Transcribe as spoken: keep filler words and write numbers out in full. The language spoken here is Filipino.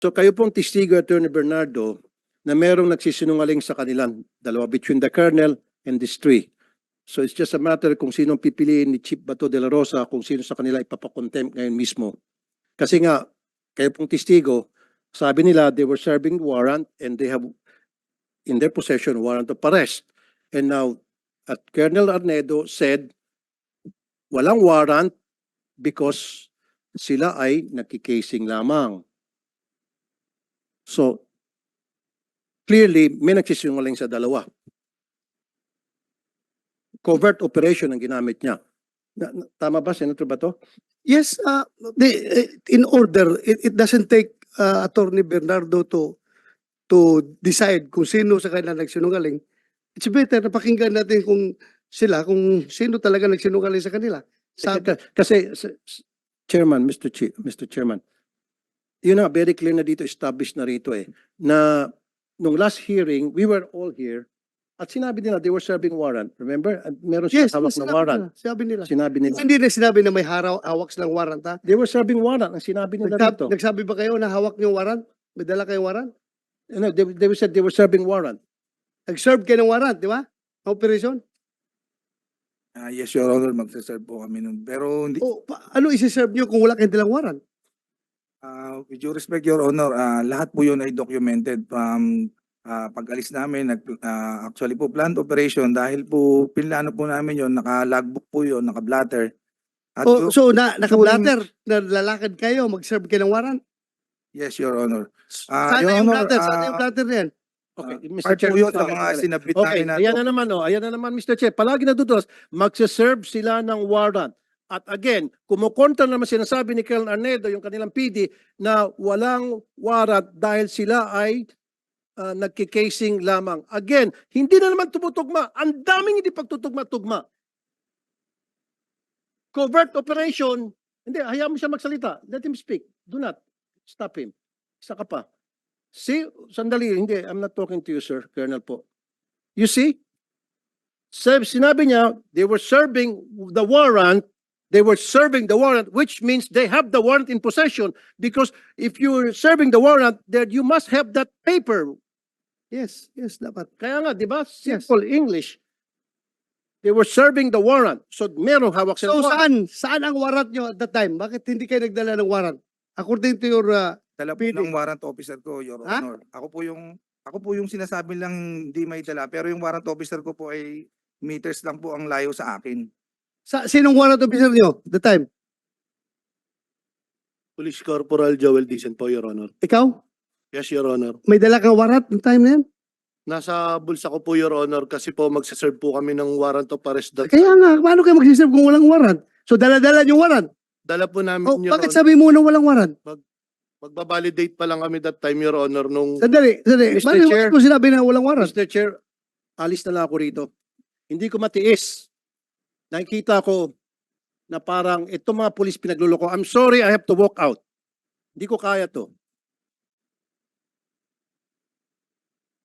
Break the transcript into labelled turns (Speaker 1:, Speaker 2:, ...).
Speaker 1: So kayo pong testigo, Attorney Bernardo, na merong nagsisinungaling sa kanilang dalawa, between the colonel and these three. So it's just a matter kung sinong pipiliin ni Chief Bato de la Rosa, kung sino sa kanila ipapakontempt ngayon mismo. Kasi nga, kayo pong testigo, sabi nila they were serving warrant and they have in their possession warrant of arrest. And now, at Colonel Arnedo said, walang warrant because sila ay nakikasing lamang. So, clearly, may nagsisinungaling sa dalawa. Covert operation ang ginamit niya. Na, na, tama ba, Senator Bato?
Speaker 2: Yes, uh, the, in order, it, it doesn't take uh, Attorney Bernardo to to decide kung sino sa kanila nagsinungaling. It's better na pakinggan natin kung sila, kung sino talaga nagsinungaling sa kanila. Sabi,
Speaker 1: Kasi, s- s- Chairman, Mister Chi, Mister Chairman, yun na, very clear na dito, established na rito eh, na nung last hearing, we were all here, at sinabi nila, they were serving warrant. Remember? At meron silang
Speaker 2: yes,
Speaker 1: hawak
Speaker 2: yes,
Speaker 1: na
Speaker 2: sinabi
Speaker 1: warrant.
Speaker 2: nila, sinabi nila.
Speaker 1: Sinabi nila.
Speaker 2: Hindi na sinabi na may haraw, hawak silang warrant, ha?
Speaker 1: They were serving warrant. Ang sinabi nila
Speaker 2: Nagsab,
Speaker 1: dito.
Speaker 2: nagsabi ba kayo na hawak niyo warrant? May dala kayong warrant?
Speaker 1: You know, they, they said they were serving warrant.
Speaker 2: Nag-serve kayo ng warrant, di ba? Operation?
Speaker 3: Ah, yes, Your Honor, magsaserve po kami nun. Pero hindi,
Speaker 2: O, pa, ano isi-serve niyo kung wala kayong dalang warrant?
Speaker 3: ah, with due respect, Your Honor, ah, lahat po yun ay documented from ah, pag-alis namin. Nag, ah, actually po, planned operation dahil po pinlano po namin yun, naka-logbook po yun, naka-blatter. At
Speaker 2: O,
Speaker 3: yun-
Speaker 2: so, na, naka-blatter, na lalakad kayo, mag-serve kayo ng warrant?
Speaker 3: yes, Your Honor. Ah,
Speaker 2: Sana
Speaker 3: Your
Speaker 2: yung
Speaker 3: Honor,
Speaker 2: blatter, sana
Speaker 3: ah,
Speaker 2: yung blatter na yan.
Speaker 1: Okay,
Speaker 3: ah,
Speaker 1: Mister
Speaker 3: part
Speaker 1: Chair.
Speaker 3: po yun sa
Speaker 1: okay,
Speaker 3: mga
Speaker 1: okay.
Speaker 3: sinabit
Speaker 1: Okay,
Speaker 3: namin na
Speaker 1: ayan na naman, oh, ayan na naman, Mister Chair. Palagi natutulas, magsaserve sila ng warrant. At again, kumukontra naman sinasabi ni Colonel Arnedo, yung kanilang P D, na walang warrant dahil sila ay uh, nagkikasing lamang. Again, hindi na naman tumutugma. Ang daming hindi pagtutugma-tugma. Covert operation, hindi, hayaan mo siya magsalita. Let him speak. Do not stop him. Isa ka pa. See, sandali, hindi, I'm not talking to you, sir, Colonel po. You see? Sab- Sinabi niya, they were serving the warrant, they were serving the warrant, which means they have the warrant in possession, because if you're serving the warrant, then you must have that paper.
Speaker 2: Yes, yes, dapat.
Speaker 1: Kaya nga, di ba? Simple English. They were serving the warrant. So, merong hawak
Speaker 2: So,
Speaker 1: sila.
Speaker 2: saan? Saan ang warrant nyo at that time? Bakit hindi kayo nagdala ng warrant? According to your, uh,
Speaker 3: dala po
Speaker 2: P D.
Speaker 3: ng warrant officer ko, Your
Speaker 2: Ha?
Speaker 3: Honor. Ako po yung ako po yung sinasabi lang hindi may dala, pero yung warrant officer ko po ay meters lang po ang layo sa akin.
Speaker 2: sa, sinong warrant officer nyo at the time?
Speaker 4: Police Corporal Joel Dicen po, Your Honor.
Speaker 2: Ikaw?
Speaker 4: Yes, Your Honor.
Speaker 2: May dala kang warrant ng time na yan?
Speaker 4: Nasa bulsa ko po, Your Honor, kasi po magsaserve po kami ng warrant of arrest. That,
Speaker 2: Kaya nga, paano kayo mag-serve kung walang warrant? So, dala-dala yung warrant.
Speaker 4: dala po namin,
Speaker 2: Oh,
Speaker 4: Your
Speaker 2: bakit
Speaker 4: Honor.
Speaker 2: sabi mo na walang warrant?
Speaker 4: Magbabalidate pa lang kami that time, Your Honor, nung
Speaker 2: Sandali, sandali.
Speaker 1: Mister
Speaker 2: Bakit
Speaker 1: Chair.
Speaker 2: mo sinabi na walang warrant?
Speaker 1: Mister Chair, alis na lang ako rito. Hindi ko matiis. Nakikita ko na parang itong mga pulis pinagluloko. I'm sorry, I have to walk out. Hindi ko kaya to.